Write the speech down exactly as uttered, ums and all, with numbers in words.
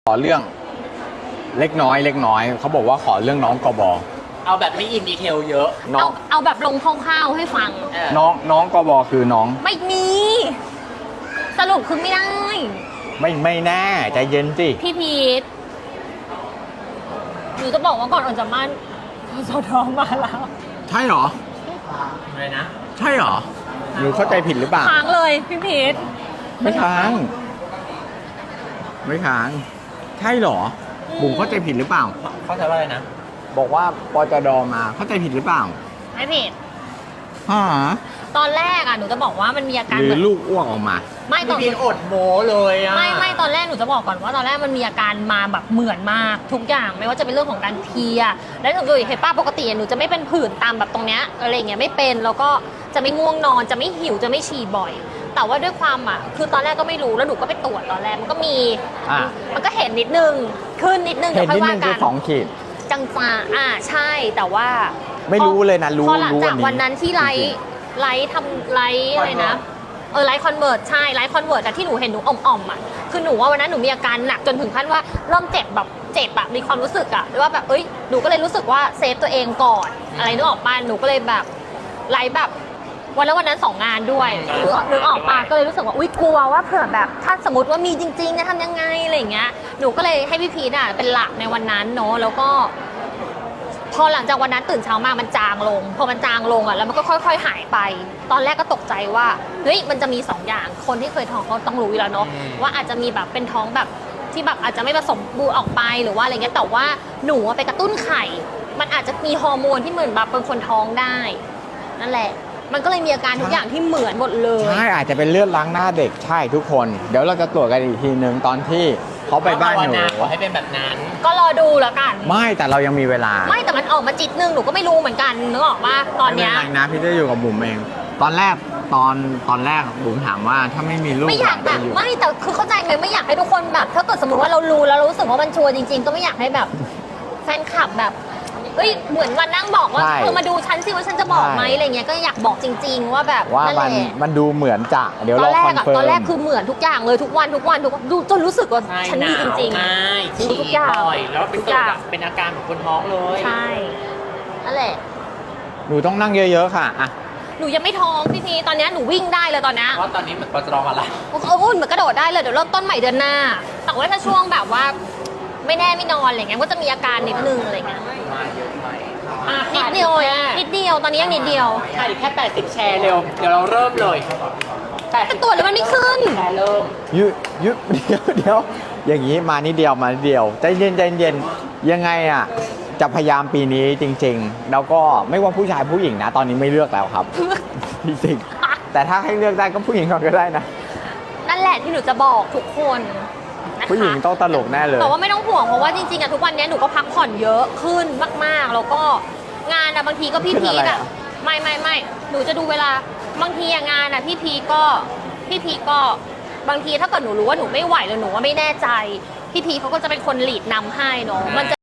ขอเรื่องเล็กน้อยเล็กน้อยเขาบอกว่าขอเรื่องน้องกบเอาแบบไม่อินดีเทลเยอะน้อเอางเอาแบบลงคร่าวๆให้ฟังน้องน้องกบคือน้องไม่มี สรุปคือไม่ได้ไม่ไม่แน่ใจเย็นสิพี่พีทหนูจะบอกว่าก่อนออกจากบ้านสดมาแล้วใช่เหรออะไรนะใช่เหรอหนูเข้าใจผิดหรือเปล่าค้างเลยพี่พีทไม่ค้างไม่ค้างใช่เหรอบุ๋มเข้าใจผิดหรือเปล่าเข้าใจว่าอะไรนะบอกว่าปจดมาเข้าใจผิดหรือเปล่าไม่ผิดฮะตอนแรกอ่ะหนูจะบอกว่ามันมีอาการหรือลูกอ้วกออกมาไม่ตอนพีอดโมเลยอ่ะไม่ไม่ตอนแรกหนูจะบอกก่อนว่าตอนแรกมันมีอาการมาแบบเหมือนมากทุกอย่างไม่ว่าจะเป็นเรื่องของการเพลียและหนูก็เห็นป้าปกติหนูจะไม่เป็นผื่นตามแบบตรงเนี้ยอะไรเงี้ยไม่เป็นแล้วก็จะไม่ง่วงนอนจะไม่หิวจะไม่ฉี่บ่อยแต่ว่าด้วยความอ่ะคือตอนแรกก็ไม่รู้แล้วหนูก็ไปตรวจตอนแรกมันก็มีมันก็เห็นนิดนึงขึ้นนิดนึงเดี๋ยวค่อยว่ากันสองขีดจังจ้าอ่าใช่แต่ว่าไม่รู้เลยนะรู้พอหลังจากวันนั้นที่ไลฟ์ไลฟ์ทำไลฟ์อะไรนะเออไลฟ์คอนเวิร์ตใช่ไลฟ์คอนเวิร์ตแต่ที่หนูเห็นหนูอ่อมๆอ่ะคือหนูว่าวันนั้นหนูมีอาการหนักจนถึงขั้นว่าเริ่มเจ็บแบบเจ็บอะมีความรู้สึกอะว่าแบบเอ้ยหนูก็เลยรู้สึกว่าเซฟตัวเองก่อนอะไรนึกออกป่ะหนูก็เลยแบบไลฟ์แบบวันแล้ววันนั้นสองงานด้วยนึกออกป่ะก็เลยรู้สึกว่าอุ้ยกลัวว่าเผื่อแบบถ้าสมมติว่ามีจริงๆจะทำยังไงอะไรอย่างเงี้ยหนูก็เลยให้พี่พีทอะเป็นหลักในวันนั้นเนาะแล้วก็พอหลังจากวันนั้นตื่นเช้ามามันจางลงพอมันจางลงอ่ะแล้วมันก็ค่อยๆหายไปตอนแรกก็ตกใจว่าเฮ้ยมันจะมีสองอย่างคนที่เคยท้องเขาต้องรู้อยู่แล้วเนาะว่าอาจจะมีแบบเป็นท้องแบบที่แบบอาจจะไม่ผสมบูรณ์ออกไปหรือว่าอะไรเงี้ยแต่ว่าหนูไปกระตุ้นไข่มันอาจจะมีฮอร์โมนที่เหมือนแบบเป็นคนท้องได้นั่นแหละมันก็เลยมีอาการทุกอย่างที่เหมือนหมดเลยใช่อาจจะเป็นเลือดล้างหน้าเด็กใช่ทุกคนเดี๋ยวเราจะตรวจกันอีกทีนึงตอนที่เขาไปบ้านหนูขอให้เป็นแบบนั้นก็รอดูแล้วกันไม่แต่เรายังมีเวลาไม่แต่มันออกมาจิตนึงหนูก็ไม่รู้เหมือนกันนึกออกว่าตอนเนี้ยไม่เป็นไรนะพี่จะอยู่กับบุ๋มเองตอนแรกตอนตอนแรกบุ๋มถามว่าถ้าไม่มีลูกไม่อยากแบบไม่แต่คือเข้าใจไหมไม่อยากให้ทุกคนแบบถ้าเกิดสมมติว่าเรารู้แล้วเรารู้สึกว่ามันชัวร์จริงๆก็ไม่อยากให้แบบแฟนคลับแบบเอ้ยเหมือนวันนั่งบอกว่าเธอมาดูฉันสิว่าฉันจะบอกไหมอะไรเงี้ยก็อยากบอกจริงๆว่าแบบว่ามันมันดูเหมือนจะเดี๋ยวเราคอนเฟิร์มตอนแรกคือเหมือนทุกอย่างเลยทุกวันทุกวันทุกดูจนรู้สึกว่าฉันมีจริงๆฉี่ทุกอย่างแล้วเป็นตัวเป็นอาการของคนท้องเลยใช่นั่นแหละหนูต้องนั่งเยอะๆค่ะอ่ะหนูยังไม่ท้องพี่พีตอนนี้หนูวิ่งได้เลยตอนนี้เพราะตอนนี้เหมือนปจรอะไรโอ้โหเหมือนกระโดดได้เลยเดี๋ยวเริ่มต้นใหม่เดือนหน้าแต่ว่าถ้าช่วงแบบว่าไม่แน่ไม่นอนอะไรเงี้ยก็จะมีอาการนิดนึงอะไรเงี้ยมาเยอะไหมนิดเดียวนิดเดียวตอนนี้ยังนิดเดียวใช่แค่แปดสิบแชร์เร็วเดี๋ยวเราเริ่มเลยแต่ตัวแล้วมันไม่ขึ้นแชร์เริ่มยุยุเดี๋ยวเดี๋ยวอย่างนี้มานิดเดียวมานิดเดียวใจเย็นใจเย็นยังไงอ่ะจะพยายามปีนี้จริงๆแล้วก็ไม่ว่าผู้ชายผู้หญิงนะตอนนี้ไม่เลือกแล้วครับจริงๆแต่ถ้าให้เลือกได้ก็ผู้หญิงก่อนก็ได้นะนั่นแหละที่หนูจะบอกทุกคนผู้หญิงต้องตลกแน่เลยแต่ว่าไม่ต้องห่วงเพราะว่าจริงๆอะทุกวันนี้หนูก็พักผ่อนเยอะขึ้นมากๆแล้วก็งานอะบางทีก็พี่พีกอะไม่ไม่ไม่หนูจะดูเวลาบางทีงานอะพี่พีก็พี่พีก็บางทีถ้าเกิดหนูรู้ว่าหนูไม่ไหวหรือหนูว่าไม่แน่ใจพี่พีเขาก็จะเป็นคนหลีดนำให้เนาะมันจะ